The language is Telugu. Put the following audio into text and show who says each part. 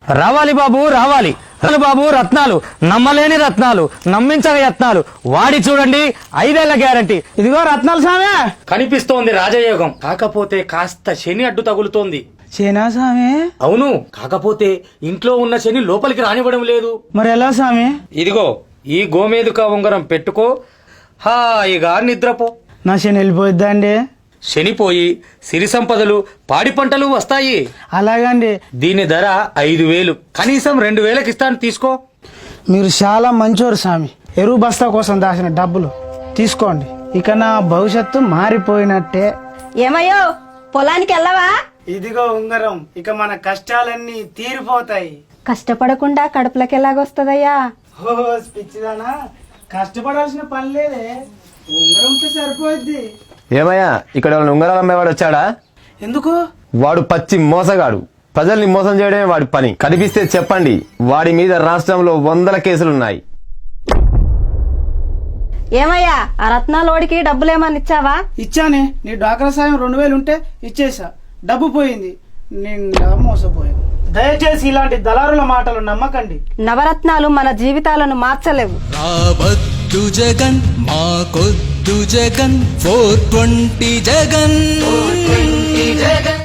Speaker 1: రావాలి బాబు రావాలి బాబు రత్నాలు, నమ్మలేని రత్నాలు, నమ్మించగ యత్నాలు వాడి చూడండి 5 ఏళ్ల గ్యారంటీ.
Speaker 2: ఇదిగో రత్నాలు సామే.
Speaker 1: కనిపిస్తోంది రాజయోగం, కాకపోతే కాస్త శని అడ్డు తగులుతోంది.
Speaker 2: చేనా సామే?
Speaker 1: అవును, కాకపోతే ఇంట్లో ఉన్న శని లోపలికి రానివ్వడం లేదు.
Speaker 2: మరి ఎలా సామే?
Speaker 1: ఇదిగో ఈ గోమేదుక ఉంగరం పెట్టుకో, హాయిగా నిద్రపో.
Speaker 2: నా శని వెళ్ళిపోయిద్దా అండి?
Speaker 1: శనిపోయి సిరి సంపదలు, పాడి పంటలు వస్తాయి.
Speaker 2: అలాగండి.
Speaker 1: దీని ధర 5,000, కనీసం 2,000కి ఇస్తాను, తీసుకో.
Speaker 2: మీరు చాలా మంచోరు స్వామి. ఎరువు బస్తా కోసం దాచిన డబ్బులు తీసుకోండి. ఇక నా భవిష్యత్తు మారిపోయినట్టే.
Speaker 3: ఏమయ్యో పొలానికి వెళ్ళవా?
Speaker 2: ఇదిగో ఉంగరం, ఇక మన కష్టాలన్నీ తీరిపోతాయి.
Speaker 3: కష్టపడకుండా కడుపులోకి ఎలాగొస్తుందయ్యా?
Speaker 2: ఓహో పిచ్చిదానా, కష్టపడాల్సిన పని లేదే, ఉంగరం ఉంటే సరిపోద్ది.
Speaker 4: ఏమయ్యా, ఇక్కడ ఉంగరాలు అమ్మేవాడు వచ్చాడా?
Speaker 2: ఎందుకు?
Speaker 4: వాడు పచ్చి మోసగాడు. ప్రజల్ని మోసం చేయడమే వాడి పని. కనిపిస్తే చెప్పండి, వాడి మీద రాష్ట్రంలో 100 కేసులున్నాయి.
Speaker 3: ఏమయ్యా, ఆ రత్నాలోడికి డబ్బులేమని ఇచ్చావా?
Speaker 2: ఇచ్చానే. నీ డ్వాక్రా సాయం 2,000 ఉంటే ఇచ్చేసా. డబ్బు పోయింది, నిండా మోసపోయింది. దయచేసి ఇలాంటి దళారుల మాటలు నమ్మకండి.
Speaker 3: నవరత్నాలు మన జీవితాలను మార్చలేవు.
Speaker 5: రావద్దు జగన్, మాకొద్దు జగన్, 420 జగన్.